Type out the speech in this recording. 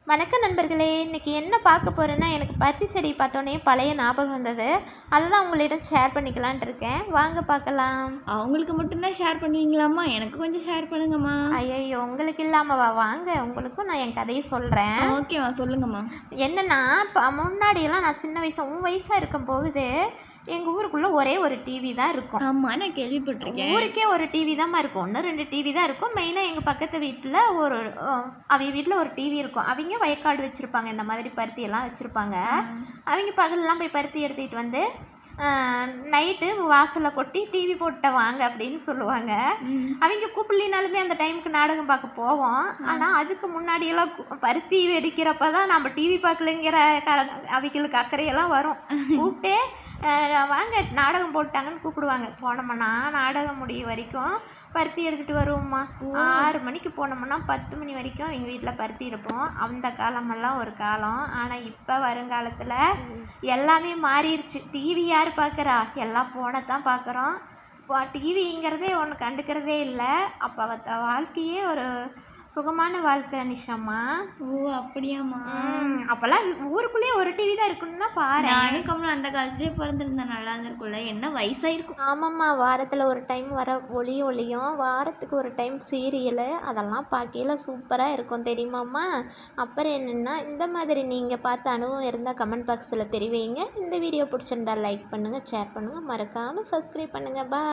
வணக்கம் நண்பர்களே, இன்றைக்கி என்ன பார்க்க போகிறேன்னா, எனக்கு பருத்தி செடி பார்த்தோன்னே பழைய ஞாபகம் வந்தது. அதை தான் உங்களிடம் ஷேர் பண்ணிக்கலான்ட்டு இருக்கேன். வாங்க பார்க்கலாம். அவங்களுக்கு மட்டும்தான் ஷேர் பண்ணுவீங்களாம்மா? எனக்கு கொஞ்சம் ஷேர் பண்ணுங்கம்மா. ஐயோ, உங்களுக்கு இல்லாமவா? வாங்க, உங்களுக்கும் நான் என் கதையை சொல்கிறேன். ஓகேம்மா, சொல்லுங்கம்மா. என்னென்னா, இப்போ முன்னாடியெல்லாம் நான் சின்ன உன் வயசாக இருக்கும் போது எங்கள் ஊருக்குள்ளே ஒரே ஒரு டிவி தான் இருக்கும். ஆமாம், நான் கேள்விப்பட்டிருக்கேன். ஊருக்கே ஒரு டிவி தான்மா இருக்கும். 1-2 டிவி தான் இருக்கும். மெயினாக எங்கள் பக்கத்து வீட்டில் அவங்க வீட்டில் ஒரு டிவி இருக்கும். அவங்க வயக்காடு வச்சுருப்பாங்க, இந்த மாதிரி பருத்தியெல்லாம் வச்சுருப்பாங்க. அவங்க பகலெலாம் போய் பருத்தி எடுத்துக்கிட்டு வந்து நைட்டு வாசலில் கொட்டி டிவி போட்ட வாங்க அப்படின்னு சொல்லுவாங்க. அவங்க கூப்பிடலினாலுமே அந்த டைமுக்கு நாடகம் பார்க்க போவோம். ஆனால் அதுக்கு முன்னாடியெல்லாம் பருத்தி வெடிக்கிறப்ப தான் நம்ம டிவி பார்க்கலைங்கிற அவங்களுக்கு அக்கறையெல்லாம் வரும். கூப்பிட்டு வாங்க நாடகம் போட்டாங்கன்னு கூப்பிடுவாங்க. போனோம்னா நாடகம் முடியும் வரைக்கும் பருத்தி எடுத்துகிட்டு வருவோம்மா. 6 மணிக்கு போனோம்னா 10 மணி வரைக்கும் எங்கள் வீட்டில் பருத்தி எடுப்போம். அந்த காலமெல்லாம் ஒரு காலம். ஆனால் இப்போ வருங்காலத்தில் எல்லாமே மாறிடுச்சு. டிவி யார் பார்க்குறா? எல்லாம் போனை தான் பார்க்குறோம். இப்போ டிவிங்கிறதே ஒன்று கண்டுக்கிறதே இல்லை. அப்போ வாழ்க்கையே ஒரு சுகமான வாழ்க்கை நிஷாம்மா. ஓ, அப்படியாம்மா? அப்போல்லாம் ஊருக்குள்ளேயே ஒரு டிவி தான் இருக்குன்னா பாரு. நானும் அந்த காலத்துலேயே பிறந்திருந்தேன், நல்லா இருந்திருக்கும்ல. என்ன வயசாயிருக்கும்? ஆமாம்மா, வாரத்தில் ஒரு டைம் வர ஒளியும் வாரத்துக்கு ஒரு டைம் சீரியலு அதெல்லாம் பார்க்கையில் சூப்பராக இருக்கும் தெரியுமாம்மா. அப்புறம் என்னென்னா, இந்த மாதிரி நீங்கள் பார்த்த அனுபவம் இருந்தால் கமெண்ட் பாக்ஸில் தெரிவிங்க. இந்த வீடியோ பிடிச்சிருந்தா லைக் பண்ணுங்கள், ஷேர் பண்ணுங்கள், மறக்காமல் சப்ஸ்கிரைப் பண்ணுங்கள். பா.